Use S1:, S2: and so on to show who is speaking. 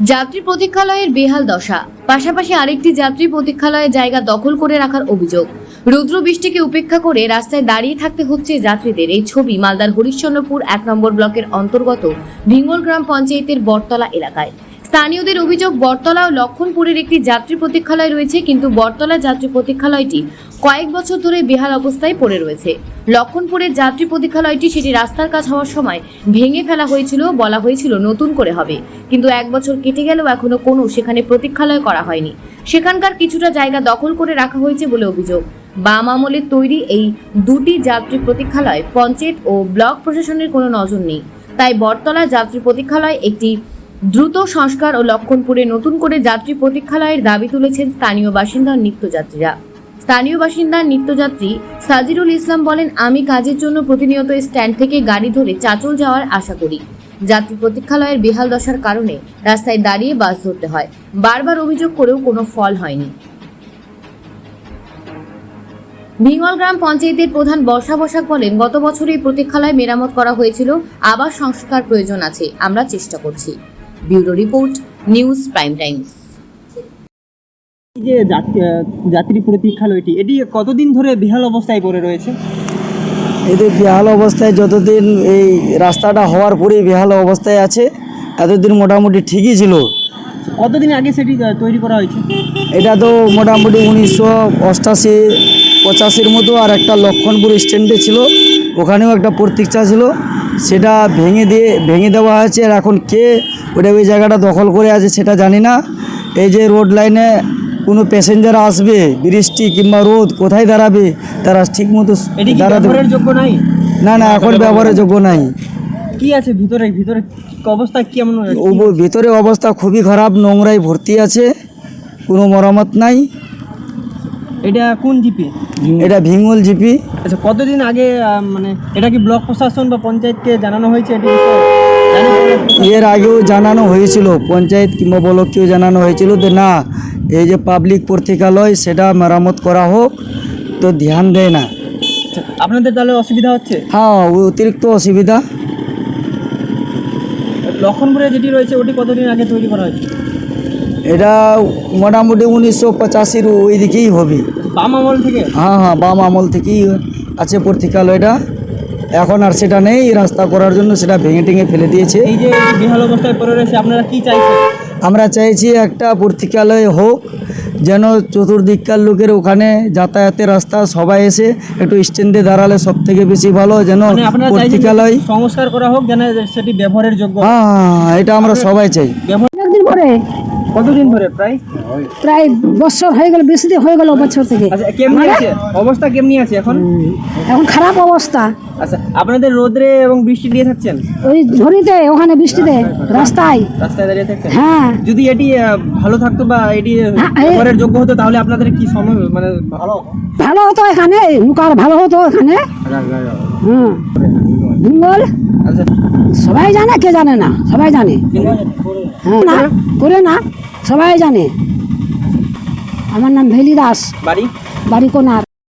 S1: যাত্রী প্রতীক্ষালয়ের বেহাল দশা, পাশাপাশি আরেকটি যাত্রী প্রতীক্ষালয়ের জায়গা দখল করে রাখার অভিযোগ। রৌদ্র বৃষ্টিকে উপেক্ষা করে রাস্তায় দাঁড়িয়ে থাকতে হচ্ছে যাত্রীদের। এই ছবি মালদার হরিশ্চন্দ্রপুর ১ নম্বর ব্লকের অন্তর্গত ভিঙ্গল গ্রাম পঞ্চায়েতের বটতলা এলাকায়। স্থানীয়দের অভিযোগ, বটতলা ও লক্ষণপুরের একটি যাত্রী প্রতীক্ষালয় রয়েছে, কিন্তু বটতলা যাত্রী প্রতীক্ষালয়টি কয়েক বছর ধরে বেহাল অবস্থায় পড়ে রয়েছে। লক্ষণপুরের যাত্রী প্রতীক্ষালয়টি সেটি রাস্তার কাজ হওয়ার সময় ভেঙে ফেলা হয়েছিল, বলা হয়েছিল নতুন করে হবে, কিন্তু 1 বছর কেটে গেলেও এখনো কোনো সেখানে প্রতীক্ষালয় করা হয়নি। সেখানকার কিছুটা জায়গা দখল করে রাখা হয়েছে বলে অভিযোগ। বাম আমলের তৈরি এই দুটি যাত্রী প্রতীক্ষালয় পঞ্চায়েত ও ব্লক প্রশাসনের কোনো নজর নেই। তাই বটতলা যাত্রী প্রতীক্ষালয় একটি দ্রুত সংস্কার ও লক্ষণপুরে নতুন করে যাত্রী প্রতীক্ষালয়ের দাবি তুলেছেন স্থানীয় বাসিন্দা নিত্যযাত্রীরা। স্থানীয় বাসিন্দা নিত্যযাত্রী সাজিরুল ইসলাম বলেন, আমি কাজের জন্য প্রতিনিয়ত স্ট্যান্ড থেকে গাড়ি ধরে চাঁচল যাওয়ার আশা করি। যাত্রী প্রতীক্ষালয়ের বেহাল দশার কারণে রাস্তায় দাঁড়িয়ে বাস ধরতে হয়। বারবার অভিযোগ করেও কোনো ফল হয়নি। ভিঙ্গল গ্রাম পঞ্চায়েতের প্রধান বর্ষা বসাক বলেন, গত বছর এই প্রতীক্ষালয় মেরামত করা হয়েছিল, আবার সংস্কার প্রয়োজন আছে, আমরা চেষ্টা করছি। Bureau report, news prime times.
S2: এই যে যাত্রী প্রতীক্ষালয়টি, এটি কতদিন ধরে বেহাল অবস্থায় পড়ে রয়েছে?
S3: এদের বেহাল অবস্থায় যতদিন এই রাস্তাটা হওয়ার পরেই বেহাল অবস্থায় আছে, এতদিন মোটামুটি ঠিকই ছিল।
S2: কতদিন আগে সেটি তৈরি করা হয়েছে?
S3: এটা তো মোটামুটি 1988-85 মতো। আর একটা লক্ষণপুর স্ট্যান্ডে ছিল, ওখানেও একটা প্রতীক্ষা ছিল, সেটা ভেঙে দেওয়া হয়েছে। আর এখন কে ওই জায়গাটা দখল করে আছে সেটা জানি না। এই যে রোড লাইনে কোনো প্যাসেঞ্জার আসবে, বৃষ্টি কিংবা রোদ, কোথায় দাঁড়াবে তারা ঠিক মতো দাঁড়াতে
S2: যোগ্য নাই।
S3: না এখন ব্যবহারের যোগ্য নাই।
S2: কি আছে ভিতরে অবস্থা কেমন?
S3: ভিতরে অবস্থা খুবই খারাপ, নোংরায় ভর্তি আছে, কোনো মেরামত নাই।
S2: এটা কোন জিপি?
S3: এটা ভিঙ্গল জিপি।
S2: আচ্ছা, কতদিন আগে মানে এটা কি ব্লক প্রশাসন বা পঞ্চায়েতকে জানানো হয়েছে?
S3: এর আগেও জানানো হয়েছিল, পঞ্চায়েত কিংবা ব্লককেও জানানো হয়েছিল যে না, এই যে পাবলিক প্রতীক্ষালয় সেটা মেরামত করা হোক, তো ধ্যান দেয় না।
S2: আপনাদের তাহলে অসুবিধা হচ্ছে?
S3: হ্যাঁ, অতিরিক্ত অসুবিধা।
S2: লক্ষণপুরে যেটি রয়েছে ওটি কতদিন আগে তৈরি করা হয়েছে?
S3: এটা মোটামুটি 1985-র ওই দিকেই হবে।
S2: বাম আমল থেকে?
S3: হ্যাঁ, বাম আমল থেকেই আছে প্রতীক্ষালয়টা। এখন আর সেটা নেই, রাস্তা করার জন্য সেটা ভেঙে ফেলে দিয়েছে।
S2: এই যে বেহাল অবস্থায় পড়ে রয়েছে, আপনারা কি চাইছেন?
S3: আমরা চাইছি একটা প্রতীক্ষালয় হোক, যেন চতুর্দিককার লোকের ওখানে যাতায়াতের রাস্তা, সবাই এসে একটু স্ট্যান্ডে দাঁড়ালে সব থেকে বেশি ভালো। যেন প্রতীক্ষালয়
S2: সংস্কার করা হোক, যেন সেটি ব্যবহারের যোগ্য।
S3: হ্যাঁ, এটা আমরা সবাই চাই।
S2: কতদিন ধরে?
S4: প্রায় বছর হয়ে গেল, বেশি দিন হয়ে গেল বছর থেকে।
S2: আচ্ছা, কেমনি আছে অবস্থা? কেমনি আছে এখন?
S4: এখন খারাপ অবস্থা।
S2: আচ্ছা, আপনাদের রোদরে এবং বৃষ্টি দিয়ে থাকছেন?
S4: ওই ঝড়িতে, ওখানে বৃষ্টিতে, রাস্তায়
S2: দাঁড়িয়ে থাকছেন?
S4: হ্যাঁ।
S2: যদি এটি ভালো থাকতো বা এটি ব্যবহারের যোগ্য হতো, তাহলে আপনাদের কি সময় মানে ভালো
S4: হতো এখানে, লুকার ভালো হতো এখানে। হ্যাঁ, ভিঙ্গল
S2: আচ্ছা,
S4: সবাই জানে, কে জানে না? সবাই জানে। হ্যাঁ, না করে না, সবাই জানে। আমার নাম ভেলি দাস,
S2: বাড়ি
S4: বাড়ি কোনার।